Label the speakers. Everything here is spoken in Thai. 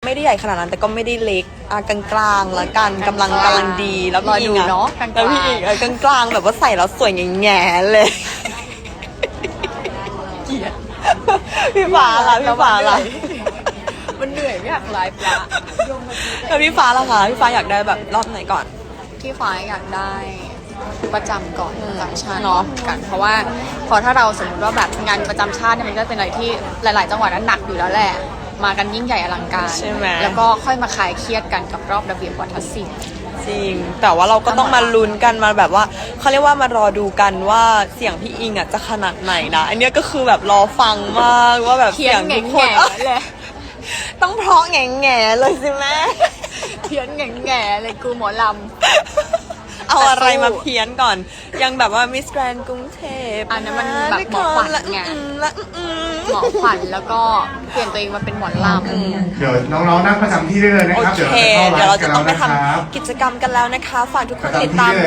Speaker 1: ไม่ได้ใหญ่ขนาดนั้นแต่ก็ไม่ได้เล็กกลางๆแล้วกันกำลังดีแล้วพี่อิงเนาะแล้วพี่อิงกลางๆแบบว่าใส่แล้วสวยแง่ๆเลยเกลียดพี่ฟ้าล่ะ
Speaker 2: มันเหนื่อยไม่อยากไลฟ์ละ
Speaker 1: แล้วพี่ฟ้าล่ะคะพี่ฟ้าอยากได้แบบรอบไหนก่อน
Speaker 2: พี่ฟ้าอยากได้ประจำก่อนประจำชาติเนาะกันเพราะว่าพอถ้าเราสมมติว่าแบบงานประจำชาติเนี่ยมันก็เป็นอะไรที่หลายๆจังหวัดนั้นหนักอยู่แล้วแหละมากันยิ่งใหญ่อลังการ
Speaker 1: ใช่ไหม
Speaker 2: แล้วก็ค่อยมาคลายเครียดกันกับรอบระเบียบวัฒนศิลป์
Speaker 1: จริงแต่ว่าเราก็ต้องมาลุ้นกันมาแบบว่าเขาเรียกว่ามารอดูกันว่าเสียงพี่อิงจะขนาดไหนนะอันนี้ก็คือแบบรอฟังมากว่าแบบเสียงทุกคน
Speaker 2: เลย
Speaker 1: ต้องเพราะแง่ๆเลยสิแม่
Speaker 2: เพี้ยนแง่ๆเลยกูหมอลำ
Speaker 1: เอาอะไรมาเพี้ยนก่อนยังแบบว่ามิสแกรนกรุงเทพ
Speaker 2: อันนั้นมันแบบหมอขวัญไงหมอขวัญแล้วก็เปลี่ยนตัวเองมาเป็นหมอล
Speaker 3: ำเดี๋ยวน้องๆนั่งประจำที่ได้เลยนะครับ
Speaker 1: โอเคเดี๋ยวเราจะต้องไปทำกิจกรรมกันแล้วนะคะฝากทุกคนติดตาม